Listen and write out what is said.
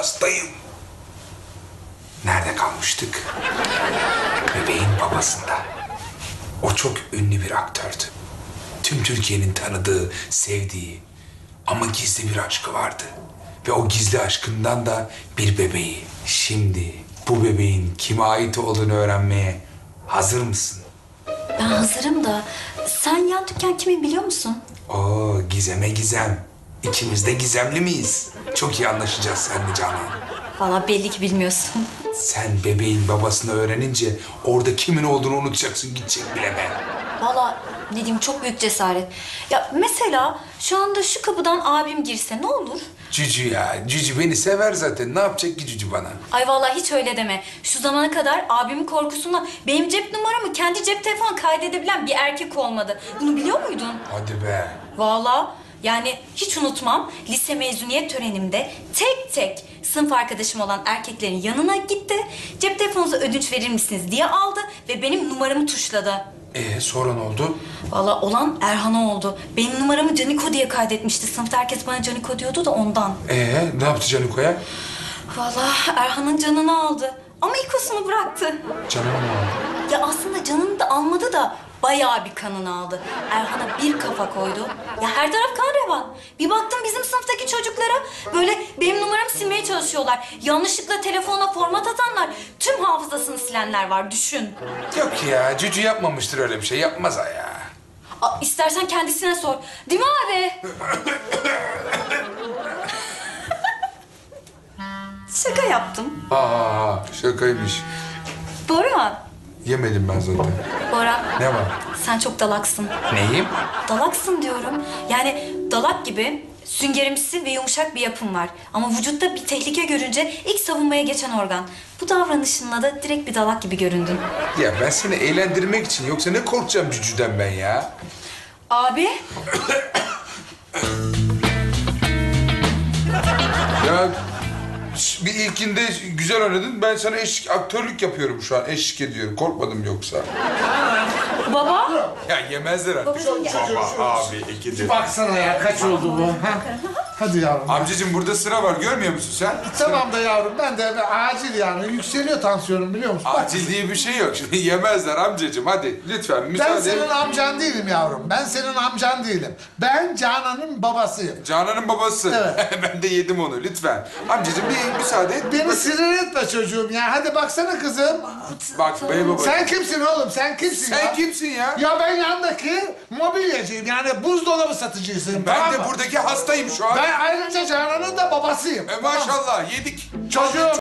hastayım. Nerede kalmıştık? Bebeğin babasında. O çok ünlü bir aktördü. Tüm Türkiye'nin tanıdığı, sevdiği ama gizli bir aşkı vardı. Ve o gizli aşkından da bir bebeği. Şimdi bu bebeğin kime ait olduğunu öğrenmeye hazır mısın? Ben hazırım da sen yan dükkan kimin biliyor musun? Oo, gizeme gizem. İkimiz de gizemli miyiz? Çok iyi anlaşacağız seninle Canan. Vallahi belli ki bilmiyorsun. Sen bebeğin babasını öğrenince orada kimin olduğunu unutacaksın, gidecek bileme. Vallahi ne diyeyim, çok büyük cesaret. Ya mesela şu anda şu kapıdan abim girse ne olur? Cücü ya, Cücü beni sever zaten. Ne yapacak ki Cücü bana? Ay vallahi hiç öyle deme. Şu zamana kadar abimin korkusundan benim cep numaramı kendi cep telefonu kaydedebilen bir erkek olmadı. Bunu biliyor muydun? Hadi be. Vallahi yani hiç unutmam, lise mezuniyet törenimde tek tek sınıf arkadaşım olan erkeklerin yanına gitti. Cep telefonunuza ödünç verir misiniz diye aldı ve benim numaramı tuşladı. Sonra ne oldu? Vallahi olan Erhan'a oldu. Benim numaramı Caniko diye kaydetmişti. Sınıfta herkes bana Caniko diyordu da ondan. Ne yaptı Caniko'ya? Vallahi Erhan'ın canını aldı. Ama ikosunu bıraktı. Canını mı aldı? Ya aslında canını da almadı da bayağı bir kanını aldı. Erhan'a bir kafa koydu. Ya her taraf kan revan. Bir baktım bizim sınıftaki çocuklara böyle benim numaramı silmeye çalışıyorlar. Yanlışlıkla telefonuna format atanlar, tüm hafızasını silenler var, düşün. Yok ya, Cücü yapmamıştır öyle bir şey. Yapmaz ha ya. İstersen kendisine sor. Değil mi abi? Şaka yaptım. Şakaymış. Bora. Yemedim ben zaten. Bora. Ne var? Sen çok dalaksın. Neyim? Dalaksın diyorum. Yani dalak gibi süngerimsi ve yumuşak bir yapım var. Ama vücutta bir tehlike görünce ilk savunmaya geçen organ. Bu davranışınla da direkt bir dalak gibi göründün. Ya ben seni eğlendirmek için, yoksa ne korkacağım Cücü'den ben ya? Abi. Ya bir ilkinde güzel oynadın. Ben sana aktörlük yapıyorum şu an. Eşlik ediyorum. Korkmadım yoksa. Baba. Ya yemezler artık. Babacığım gel. Baba, abi, ikidir. Baksana ya kaç oldu bu? Ha? Hadi yavrum. Amcacığım burada sıra var. Görmüyor musun sen? Tamam da yavrum ben de acil yani yükseliyor tansiyonum biliyor musun? Bak, Acil diye bir şey yok. Şimdi yemezler amcacığım. Hadi lütfen ben müsaade. senin amcan değilim yavrum. Ben senin amcan değilim. Ben Canan'ın babasıyım. Canan'ın babası. Evet. Ben de yedim onu lütfen. Amcacığım bir müsaade et. Beni sinir etme çocuğum ya. Hadi baksana kızım. Bak bey baba. Sen kimsin oğlum? Sen kimsin ya? Sen kimsin ya? Ya ben yandaki mobilyacıyım. Yani buzdolabı satıcısıyım. Ben tamam de mı? buradaki hastayım şu an. Ben ayrıca Canan'ın da babasıyım. Maşallah yedik. Çocuğum